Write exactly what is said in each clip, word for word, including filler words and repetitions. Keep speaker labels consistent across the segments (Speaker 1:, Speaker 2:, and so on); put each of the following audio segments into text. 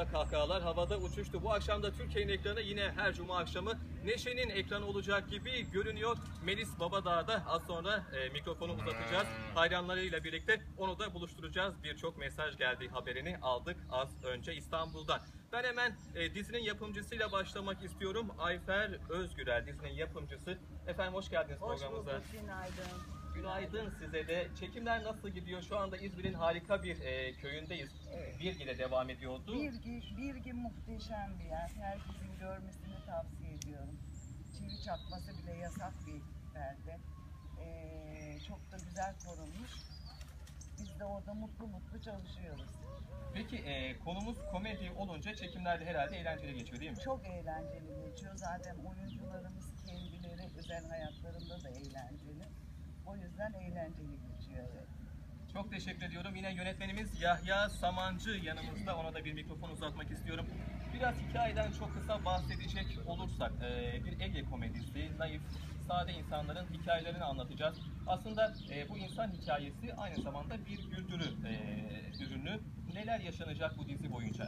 Speaker 1: anda kahkahalar havada uçuştu. Bu akşam da Türkiye'nin ekranı yine her cuma akşamı Neşe'nin ekranı olacak gibi görünüyor. Melis Babadağ'da az sonra e, mikrofonu uzatacağız. Hayranlarıyla birlikte onu da buluşturacağız. Birçok mesaj geldi, haberini aldık az önce İstanbul'dan. Ben hemen e, dizinin yapımcısıyla başlamak istiyorum. Ayfer Özgürel dizinin yapımcısı. Efendim hoş geldiniz
Speaker 2: hoş
Speaker 1: programımıza.
Speaker 2: Hoş bulduk, günaydın.
Speaker 1: Günaydın size de. Çekimler nasıl gidiyor? Şu anda İzmir'in harika bir e, köyündeyiz.
Speaker 2: Evet.
Speaker 1: Birgi'de devam ediyordu.
Speaker 2: Birgi, Birgi muhteşem bir yer. Herkesin görmesini tavsiye ediyorum. Çivi çakması bile yasak bir belde. Ee, çok da güzel korunmuş. Biz de orada mutlu mutlu çalışıyoruz.
Speaker 1: Peki e, konumuz komedi olunca çekimlerde herhalde eğlenceli geçiyor değil mi?
Speaker 2: Çok eğlenceli geçiyor. Zaten oyuncularımız kendileri özel hayatlarında da eğlenceli. O yüzden eğlenceli geçiyor, evet.
Speaker 1: Çok teşekkür ediyorum. Yine yönetmenimiz Yahya Samancı yanımızda. Ona da bir mikrofon uzatmak istiyorum. Biraz hikayeden çok kısa bahsedecek olursak, e, bir Ege komedisi, naif, sade insanların hikayelerini anlatacağız. Aslında e, bu insan hikayesi aynı zamanda bir güldürü e, ürünü. Neler yaşanacak bu dizi boyunca?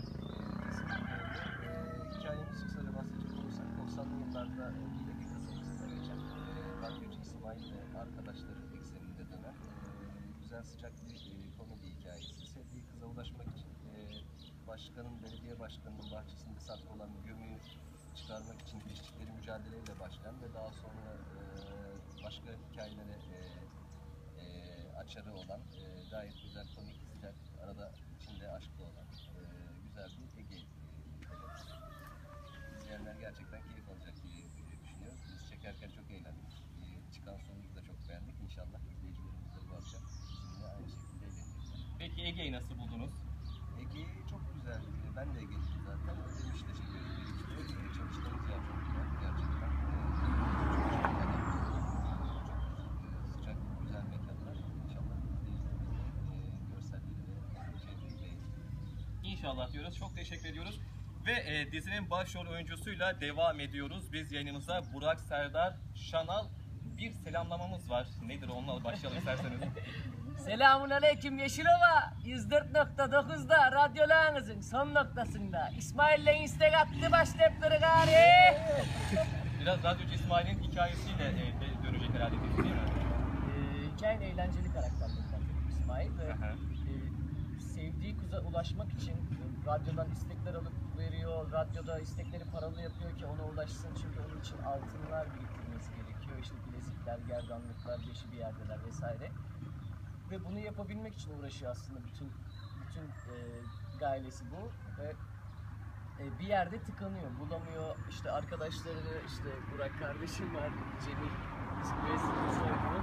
Speaker 3: E, hikayemiz kısaca bahsedecek olursak doksanlı yıllarda Ege kasabasında geçen e, radyocu İsmail ve arkadaşları ekseninde dönen e, güzel sıcak bir e, komedi hikayesi. Sevdiği kıza ulaşmak için e, başkanın, belediye başkanının bahçesinde saklı olan gömüyü çıkarmak için geçtikleri mücadeleyle başlayan ve daha sonra e, başka hikayelere e, e, açarı olan e, gayet güzel, komik, sıcak, arada içinde aşklı olan e, güzel bir Ege e, komedisi. İzleyenler gerçekten keyif alacak diye e, düşünüyoruz. Biz çekerken çok eğlendik. E, çıkan sonucu da çok beğendik. İnşallah izleyicilerimiz de bu akşam bizimle aynı şekilde eğlenecekler.
Speaker 1: Peki Ege'yi nasıl buldunuz?
Speaker 3: Ege çok güzel. E, ben de Ege'liyim zaten. Ödemiş'te çekiyoruz birlikte. E, çalıştığımız yer çok güzel. Gerçekten. E, çok sıcak, güzel mekanlar. İnşallah izleyicilerimiz de e, görselleri ve çevreyi beğenir.
Speaker 1: İnşallah diyoruz. Çok teşekkür ediyoruz. Ve e, dizinin başrol oyuncusuyla devam ediyoruz. Biz yayınımıza Burak Serdar Şanal bir selamlamamız var. Nedir onunla başlayalım isterseniz.
Speaker 4: Selamun aleyküm Yeşilova. yüz dört nokta dokuzda radyolarınızın son noktasında İsmail'le istek attı başlayıpları gari.
Speaker 1: Biraz radyocu İsmail'in hikayesiyle e, de dönecek herhalde dizi değil mi?
Speaker 4: Ee, hikayenin eğlenceli karakterlerinden İsmail ve
Speaker 1: Aha.
Speaker 4: e, sevdiği kıza ulaşmak için e, radyodan istekler alıp veriyor. Radyoda istekleri paralı yapıyor ki ona ulaşsın, çünkü onun için altınlar biriktirmesi gerekiyor. İşte bilezikler, gerdanlıklar, beşi bir yerdeler vesaire. Ve bunu yapabilmek için uğraşıyor aslında bütün bütün e, gailesi bu ve e, bir yerde tıkanıyor, bulamıyor. İşte arkadaşlarını, işte Burak kardeşim var, Cemil ismi soyadını.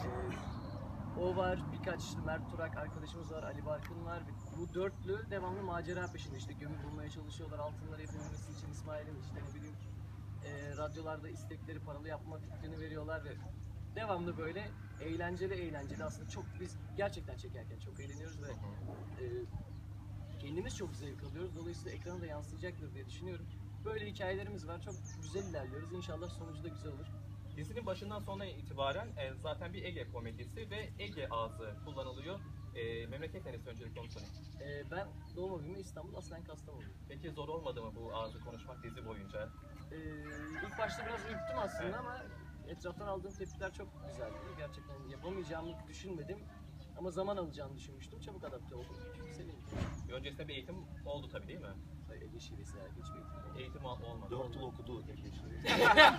Speaker 4: E, o var, birkaç işte Mert Turak arkadaşımız var, Ali Barkın var. Bu dörtlü devamlı macera peşinde, işte gömü bulmaya çalışıyorlar altınları yapabilmesi için. İsmail'in işte ne bileyim e, radyolarda istekleri paralı yapma fikrini veriyorlar ve devamlı böyle eğlenceli eğlenceli aslında çok, biz gerçekten çekerken çok eğleniyoruz ve e, kendimiz çok zevk alıyoruz. Dolayısıyla ekrana da yansıyacaktır diye düşünüyorum. Böyle hikayelerimiz var. Çok güzel ilerliyoruz. İnşallah sonucu da güzel olur.
Speaker 1: Dizinin başından sonuna itibaren e, zaten bir Ege komedisi ve Ege ağzı kullanılıyor. E, memleket neresi öncelikle onu sorayım.
Speaker 4: E, ben doğma büyüme İstanbul, aslen Kastamonuyum.
Speaker 1: Peki zor olmadı mı bu ağzı konuşmak dizi boyunca?
Speaker 4: E, ilk başta biraz ürktüm aslında, evet, ama etraftan aldığım tepkiler çok güzeldi. Gerçekten yapamayacağımı düşünmedim ama zaman alacağını düşünmüştüm. Çabuk adapte oldum. Sevindim.
Speaker 1: Öncesinde bir eğitim oldu tabii değil mi?
Speaker 4: Ege şivesi her geç bir eğitim.
Speaker 1: Eğitim ol- olmadı.
Speaker 3: Dört yıl okudu Ege şivesi.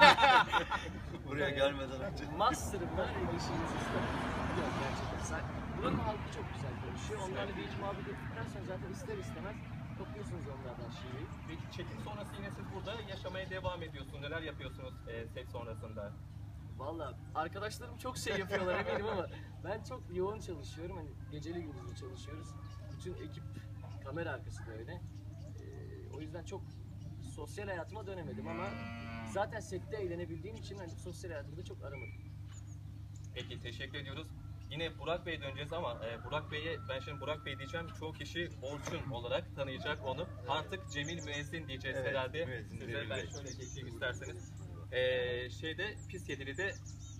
Speaker 3: Buraya gelmeden önce.
Speaker 4: Master'ım var Ege şivesi. Yok gerçekten. Sen, buranın halkı çok güzel konuşuyor. Onlarla bir hiç muhabbet ettikten sonra zaten ister istemez topluyorsunuz onlardan şiveyi.
Speaker 1: Peki çekim sonrası yine siz burada yaşamaya devam ediyorsunuz. Neler yapıyorsunuz e, set sonrasında?
Speaker 4: Valla arkadaşlarım çok şey yapıyorlar eminim ama ben çok yoğun çalışıyorum. Hani geceli gündüzlü çalışıyoruz. Bütün ekip kamera arkası da öyle. Ee, o yüzden çok sosyal hayatıma dönemedim ama zaten sette eğlenebildiğim için hani sosyal hayatımda çok aramadım.
Speaker 1: Peki teşekkür ediyoruz. Yine Burak Bey'e döneceğiz ama e, Burak Bey'e, ben şimdi Burak Bey diyeceğim, çoğu kişi Orçun olarak tanıyacak onu. Artık Cemil Müezzin diyeceğiz
Speaker 3: Evet,
Speaker 1: herhalde.
Speaker 3: Müezzin,
Speaker 1: Size
Speaker 3: Cemil
Speaker 1: ben
Speaker 3: Bey.
Speaker 1: şöyle geçeyim isterseniz. E, şeyde Pis Yedili'de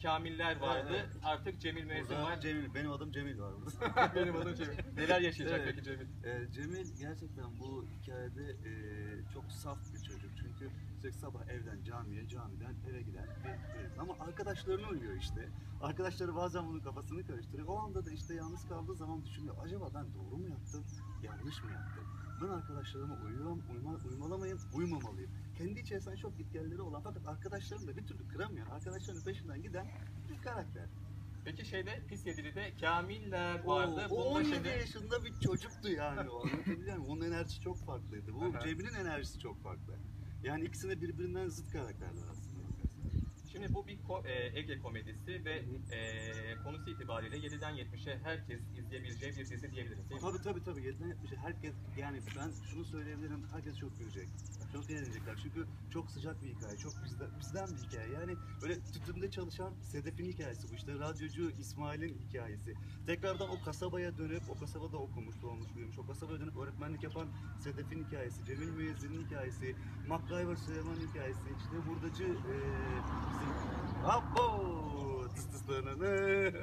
Speaker 1: Kamiller vardı.
Speaker 5: Evet, evet.
Speaker 1: Artık Cemil Müezzin
Speaker 5: Burada
Speaker 1: var.
Speaker 5: Cemil, benim adım Cemil var burada.
Speaker 1: Benim adım Cemil. Neler yaşayacak
Speaker 5: Evet.
Speaker 1: peki Cemil?
Speaker 5: Ee, Cemil gerçekten bu hikayede e, çok saf bir çocuk. Çünkü sürekli sabah evden camiye, camiden eve giden bir çocuk. Ama arkadaşlarına uyuyor işte. Arkadaşları bazen bunun kafasını karıştırıyor. O anda da işte yalnız kaldığı zaman düşünüyor. Acaba ben doğru mu yaptım, yanlış mı yaptım? Ben arkadaşlarıma uyuyorum, uyma, uymalamayayım, uymamalıyım. Kendi içerisinde çok gitgelleri olan fakat arkadaşlarını da bir türlü kıramayan, arkadaşlarının peşinden giden bir karakter.
Speaker 1: Peki şeyde Pis Yedili'de Kamiller
Speaker 5: O,
Speaker 1: vardı.
Speaker 5: o
Speaker 1: Bunda
Speaker 5: on yedi
Speaker 1: şimdi
Speaker 5: yaşında bir çocuktu yani o, anlatabiliyor muyum? Onun enerjisi çok farklıydı. Bu
Speaker 1: Aha.
Speaker 5: Cemil'in enerjisi çok farklı. Yani ikisi de birbirinden zıt karakterler aslında.
Speaker 1: Şimdi bu bir ko- e, Ege komedisi ve e, konusu itibariyle yediden yetmişe herkes izleyebileceği bir dizi diyebiliriz değil mi?
Speaker 5: Tabii tabii tabii. yediden yetmişe herkes, yani ben şunu söyleyebilirim, herkes çok gülecek. Çok eğlenecekler çünkü çok sıcak bir hikaye, çok bizden, bizden bir hikaye. Yani böyle tütünde çalışan Sedef'in hikayesi bu, işte radyocu İsmail'in hikayesi. Tekrardan o kasabaya dönüp, o kasabada okumuş, doğmuş, büyümüş, o kasabaya dönüp öğretmenlik yapan Sedef'in hikayesi, Cemil Müezzin'in hikayesi, MacGyver Süleyman'ın hikayesi, işte hurdacı e, bizim... Abo! Tıs tıslarını.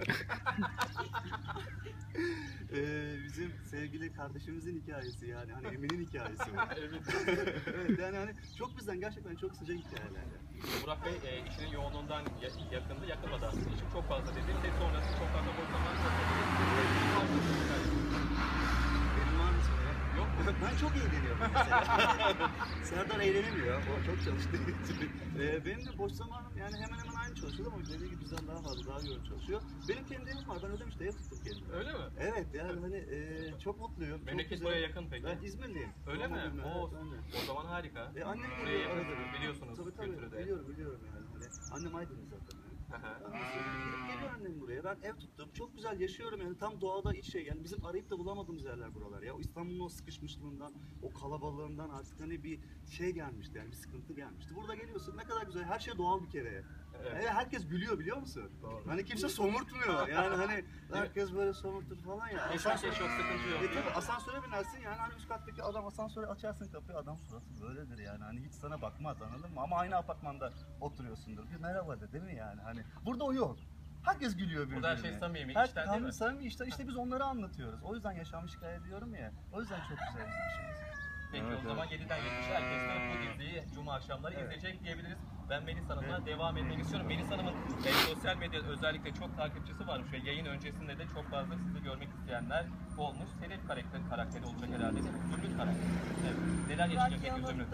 Speaker 5: Ee, bizim sevgili kardeşimizin hikayesi, yani hani Emin'in hikayesi var. Evet, yani hani çok bizden gerçekten çok sıcak hikayeler. Yani.
Speaker 1: Burak Bey e, işinin yoğunluğundan ya- yakındı, yakınmadı aslında. İşim çok fazla dedi ve sonrası çok fazla boş zaman
Speaker 5: Benim var mı sana?
Speaker 1: yok mu?
Speaker 5: Ben çok eğleniyorum mesela. Serdar eğlenemiyor, o çok çalıştığı için. Ee, benim de boş zamanım yani hemen hemen aynı çalışıyor ama dediği gibi bizden daha fazla, daha yoğun çalışıyor. Benim kendi evim var, ben ödemişte ev tuttum kendime.
Speaker 1: Öyle mi?
Speaker 5: Evet, yani hani e, çok mutluyum. çok
Speaker 1: Memleket
Speaker 5: güzel.
Speaker 1: buraya yakın peki.
Speaker 5: Ben İzmirliyim.
Speaker 1: Öyle mi?
Speaker 5: Doğma büyüme,
Speaker 1: Oo,
Speaker 5: evet, ben de.
Speaker 1: o zaman harika.
Speaker 5: E, annem
Speaker 1: Buraya
Speaker 5: buraya
Speaker 1: yakın,
Speaker 5: arada.
Speaker 1: biliyorsunuz
Speaker 5: Tabii tabii,
Speaker 1: kültürü de.
Speaker 5: biliyorum biliyorum yani. Hani, annem Aydınlı zaten. Yani.
Speaker 1: Aha.
Speaker 5: Ondan sonra gidip geliyor annem buraya. Ben ev tuttum. Çok güzel yaşıyorum yani, tam doğada iç şey. Yani bizim arayıp da bulamadığımız yerler buralar ya. O İstanbul'un o sıkışmışlığından, o kalabalığından artık hani bir şey gelmişti yani, bir sıkıntı gelmişti. Burada geliyorsun, ne kadar güzel. Her şey doğal bir kere.
Speaker 1: Evet.
Speaker 5: Yani herkes gülüyor, biliyor musun?
Speaker 1: Doğru.
Speaker 5: Hani kimse somurtmuyor. Yani hani herkes böyle somurtur falan ya.
Speaker 1: Yaşarken çok sıkıntı yok.
Speaker 5: E tabii asansöre binersin yani, hani üst kattaki adam, asansöre açarsın kapıyı, adam suratı böyledir yani, hani hiç sana bakmaz, anladın mı? Ama aynı apartmanda oturuyorsundur, bir merhaba de, değil mi yani? Hani burada o yok. Herkes gülüyor birbirine.
Speaker 1: Burada her şey samimi,
Speaker 5: Her-
Speaker 1: içten değil mi?
Speaker 5: Samimi, işte, işte biz onları anlatıyoruz. O yüzden yaşanmış hikaye diyorum ya. O yüzden çok güzel bizim işimiz.
Speaker 1: Peki
Speaker 5: Evet,
Speaker 1: o zaman yediden yetmişe herkes de bu diziyi Cuma akşamları
Speaker 5: Evet.
Speaker 1: izleyecek diyebiliriz. Ben Melis Hanım'la
Speaker 5: Evet.
Speaker 1: devam etmek istiyorum. Melis Hanım'ın e, sosyal medyada özellikle çok takipçisi varmış ve yayın öncesinde de çok fazla sizi görmek isteyenler olmuş. Senin karakter, karakteri olacak herhalde değil mi? Zümrüt karakteri. Evet. Neler yaşayacak peki Zümrüt?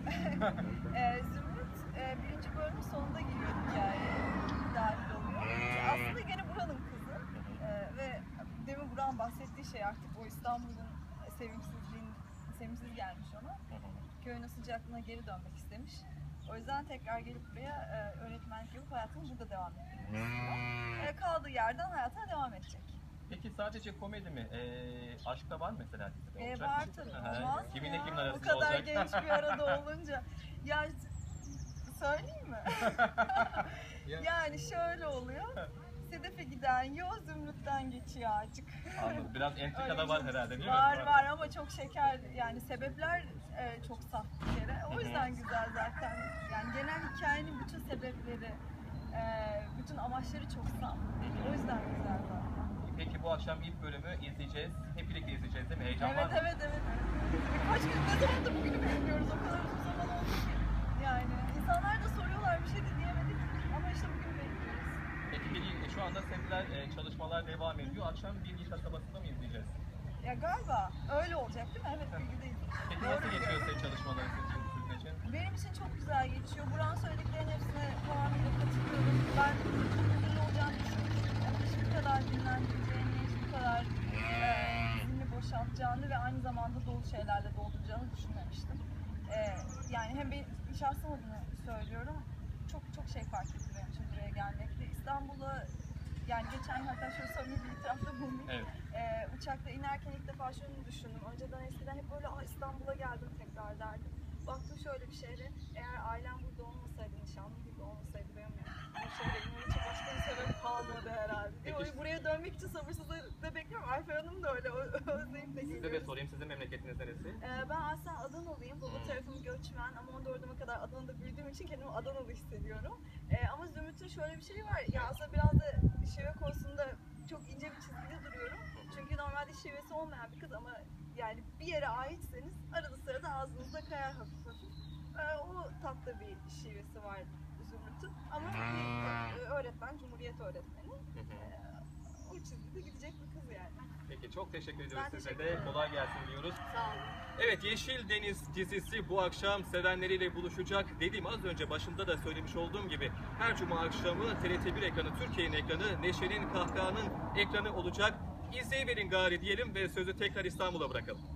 Speaker 6: ee, Zümrüt e, birinci bölümün sonunda giriyor hikayeye, dahil oluyor. Aslında gene buranın kızı Ee, ve demin Burak'ın bahsettiği şey artık o İstanbul'un sevimsizliğin, sevimsiz gelmiş ona. Köyün sıcaklığına geri dönmek istemiş. O yüzden tekrar gelip buraya e, öğretmenlik yapıp hayatını burada devam etmek istiyor. E, kaldığı yerden hayatına devam edecek.
Speaker 1: Peki sadece komedi mi? E, aşk da var mı mesela dizide
Speaker 6: E,
Speaker 1: olacak?
Speaker 6: var tabii,
Speaker 1: Aha.
Speaker 6: olmaz mı
Speaker 1: Kiminle
Speaker 6: ya?
Speaker 1: kimin
Speaker 6: Bu
Speaker 1: arasında
Speaker 6: kadar
Speaker 1: olacak?
Speaker 6: genç bir arada olunca. Ya söyleyeyim mi? Yani şöyle oluyor. Sedef'e giden yol Zümrüt'ten geçiyor artık.
Speaker 1: Anladım. Biraz entrika
Speaker 6: Öyle
Speaker 1: da
Speaker 6: bir
Speaker 1: var
Speaker 6: şey-
Speaker 1: herhalde değil mi?
Speaker 6: Var var ama çok şeker, yani sebepler e, çok saf bir kere. O yüzden güzel zaten. Yani genel hikayenin bütün sebepleri, e, bütün amaçları çok saf. O yüzden güzel zaten.
Speaker 1: Peki bu akşam ilk bölümü izleyeceğiz. Hep birlikte izleyeceğiz değil mi? Heyecan var
Speaker 6: Evet
Speaker 1: mı?
Speaker 6: evet evet. Birkaç gün ne zamandır bugünü bekliyoruz, o kadar uzun zaman oldu ki. Yani insanlar da soruyorlar, bir şey de diyemedik ama işte bugün bekliyoruz.
Speaker 1: Peki bir, şu anda setler, e, çalışmalar devam ediyor. Akşam Bilgi kasabasında mı izleyeceğiz?
Speaker 6: Ya galiba öyle olacak değil mi? Evet, bilgideyiz.
Speaker 1: Peki
Speaker 6: Doğru
Speaker 1: nasıl geçiyor
Speaker 6: diyorsun.
Speaker 1: set çalışmaları sizin sürecin?
Speaker 6: Benim için çok güzel geçiyor. Burak'ın söylediklerinin hepsine tamamıyla katılıyorum. Ben çok uzun olacağını düşünmüştüm. Hiç bu kadar dinlendireceğini, hiç bu kadar e, zihnini boşaltacağını ve aynı zamanda dolu şeylerle dolduracağını düşünmemiştim. E, yani hem ben şahsım adına söylüyorum, çok çok şey fark etti benim için buraya gelmekle. İstanbul'a, yani geçen gün hatta şöyle samimi bir itirafta bulundum.
Speaker 1: Evet.
Speaker 6: Ee, uçakta inerken ilk defa şunu düşündüm. Önceden eskiden hep böyle "Aa, İstanbul'a geldim tekrar" derdim. Baktım şöyle bir şehre, eğer ailem burada olmasaydı, nişanlım burada olmasaydı benim bu şehre inmem için başka bir sebep kalmadı herhalde.
Speaker 1: Peki-
Speaker 6: Peki. Buraya dönmek için sabırsızlıkla bekliyorum. Ayfer Hanım da öyle, o- özleyip de
Speaker 1: Size de
Speaker 6: geliyoruz.
Speaker 1: sorayım, sizin memleketiniz neresi?
Speaker 6: Ee, ben aslen Adanalıyım. Baba tarafım Göç göçmen ama on dördüme kadar Adana'da büyüdüğüm için kendimi Adanalı hissediyorum. Ee, ama Zümrüt'ün şöyle bir şey var. Ya aslında biraz da şive konusunda çok ince bir çizgide duruyorum. Çünkü normalde şivesi olmayan bir kız ama yani bir yere aitseniz arada sırada ağzınızda kayar hafif hafif. Ee, o tatlı bir şivesi var Zümrüt'ün. Ama bir e, öğretmen, Cumhuriyet öğretmeni. Ee, o çizgide gidecek bir kız yani.
Speaker 1: Peki çok teşekkür ediyoruz
Speaker 6: Ben
Speaker 1: size
Speaker 6: teşekkür
Speaker 1: de.
Speaker 6: ederim.
Speaker 1: Kolay gelsin diyoruz.
Speaker 6: Sağ olun.
Speaker 1: Evet, Yeşil Deniz dizisi bu akşam sevenleriyle buluşacak. Dediğim az önce başında da söylemiş olduğum gibi her cuma akşamı T R T bir ekranı, Türkiye'nin ekranı, Neşe'nin Kahkaha'nın ekranı olacak. İzleyiverin gari diyelim ve sözü tekrar İstanbul'a bırakalım.